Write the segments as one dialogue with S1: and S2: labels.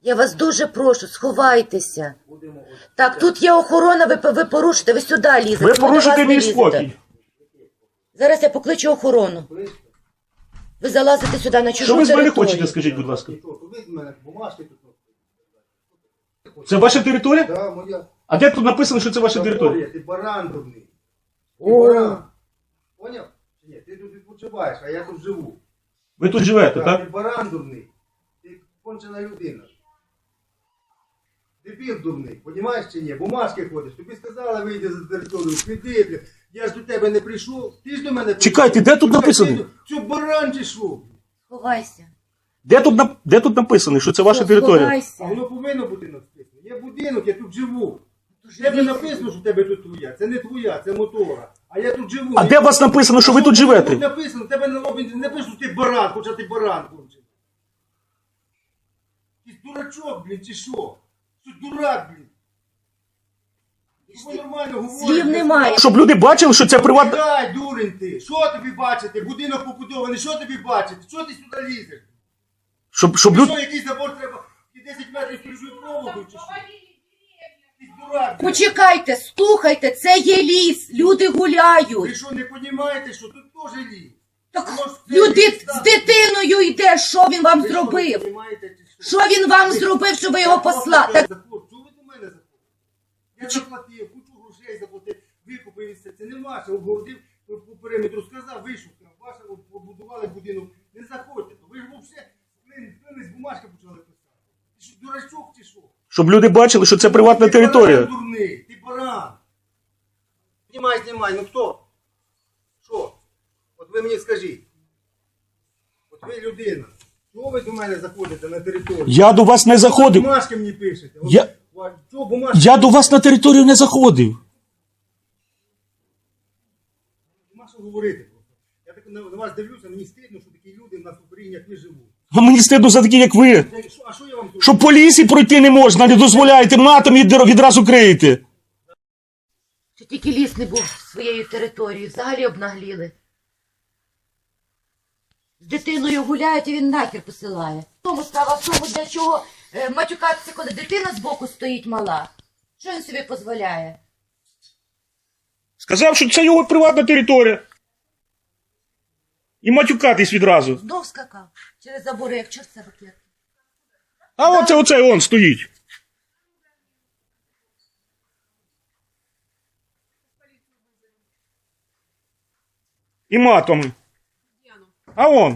S1: Я вас дуже прошу, сховайтеся. Так, тут є охорона, ви порушите, ви сюди лізете.
S2: Ви
S1: ми до
S2: порушите
S1: вас не
S2: мій
S1: лізете.
S2: спокій.
S1: Зараз я покличу охорону. Ви залазите сюди на чужу
S2: Що ви з мене
S1: територію.
S2: хочете, скажіть, будь ласка?
S3: Ви з мене бумажки тут.
S2: Це ваша територія?
S3: Да, моя.
S2: А де тут написано, що це ваша територія?
S3: Ти баран дурний. Ти
S1: О.
S3: баран. Поняв? Чи ні? Ти тут відпочиваєш, а я тут живу.
S2: Ви тут живете,
S3: Ти
S2: так?
S3: баран дурний. Ти кончена людина. Дебіл дурний, понімаєш чи ні? Бумажки ходиш. Тобі сказали, вийди за територію, піди, бля. Я ж до тебе не прийшов, ти ж до мене прийшов.
S2: Чекайте, де тут написано?
S3: Що баран чи що?
S1: Сховайся.
S2: Де тут написано, що це ваша територія?
S3: А
S1: Сховайся.
S3: воно повинно бути написано. Є будинок, я тут живу. В тебе написано, що в тебе тут твоя. Це не твоя, це мотора. А я тут живу.
S2: А де у вас написано, що ви тут
S3: Тут
S2: живете?
S3: написано, в тебе на лобі не написано, що ти баран, хоча ти баран кончений. Ти дурачок, блін, чи що? Ти дурак, блін. Ви нормально говорите.
S1: Слів немає.
S2: Щоб люди бачили, що це приватна...
S3: Дай, дурень ти. Що тобі бачити? Будинок побудований, що тобі бачити? Що ти сюди лізеш?
S2: Щоб
S3: Що,
S2: люди...
S3: якийсь забор треба? І 10 метрів стрижуть проводу, чи що? Ти дурак, блін.
S1: Почекайте, слухайте, це є ліс, люди
S3: Ви
S1: гуляють.
S3: що, не розумієте, що тут теж ліс?
S1: Так
S3: Воно ж це
S1: люди
S3: ліс,
S1: з
S3: так.
S1: дитиною йде, що він вам
S3: Ви що, не
S1: зробив?
S3: розумієте, чи
S1: Що він вам зробив, що ви його послали? Так,
S3: Чого ви до мене заходите? Я заплатив, кучу грошей заплатив, викупив і все. Це не ваше, обгородив по периметру, сказав, вийшов, ваше побудували будинок, не заходьте. Ви ж взагалі з бумажки почали писати. Ти що, дурачок чи що?
S2: Щоб люди бачили, що це приватна
S3: Ти
S2: територія.
S3: баран дурний, ти баран. Знімай, ну хто? Що? От ви мені скажіть. От ви людина. Чого ви до мене заходите на територію?
S2: Я до вас не заходив.
S3: Бумажки мені пишете. От,
S2: Я-
S3: Чого бумажки?
S2: Я до вас на територію не заходив.
S3: Нема що говорити просто. Я так на вас дивлюся, мені стидно, що такі люди в нас в Україні, як ви живуть.
S2: А мені стидно за такі, як ви.
S3: А що я вам зроблю?
S2: Що по лісі пройти не можна, не дозволяєте, матом відразу криєте.
S1: що тільки ліс не був своєю територією, взагалі обнагліли. З дитиною гуляють, і він нахер посилає. В тому справа в тому, для чого матюкатися, коли дитина збоку стоїть мала. Що він собі дозволяє?
S2: Сказав, що це його приватна територія. І матюкатись відразу.
S1: Знов скакав через забори, як чорт себе клет.
S2: А оцей он стоїть. І матом. А он.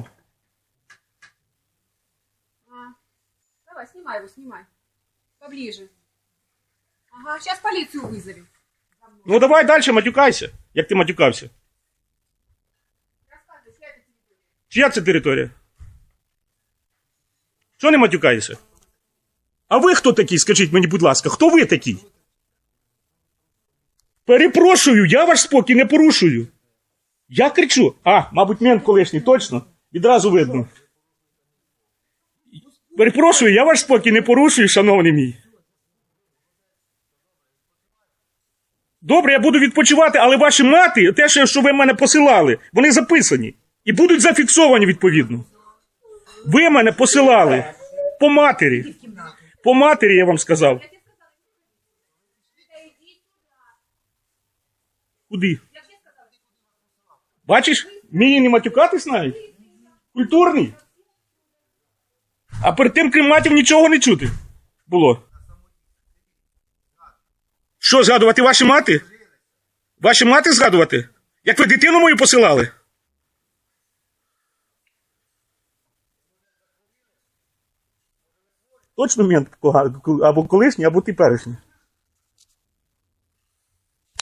S4: Давай, снимай его, снимай. Поближе. Ага, сейчас полицию вызовем.
S2: Ну давай далі матюкайся, як ти матюкався.
S4: Рассказывай, чья это территория?
S2: Чия це територія? Що не матюкаєшся? А ви хто такий, скажіть мені, будь ласка, хто ви такий? Перепрошую, я ваш спокій не порушую. Я кричу. Мабуть, мент колишній, точно. Відразу видно. Перепрошую, я ваш спокій не порушую, шановний мій. Добре, я буду відпочивати, але ваші мати, те, що ви мене посилали, вони записані. І будуть зафіксовані відповідно. Ви мене посилали по матері. По матері, я вам сказав. Куди? Бачиш, вміє не матюкатись навіть. Культурний. А перед тим, крім матів, нічого не чути було. Що, згадувати ваші мати? Ваші мати згадувати? Як ви дитину мою посилали? Точно мент або колишній, або теперішній.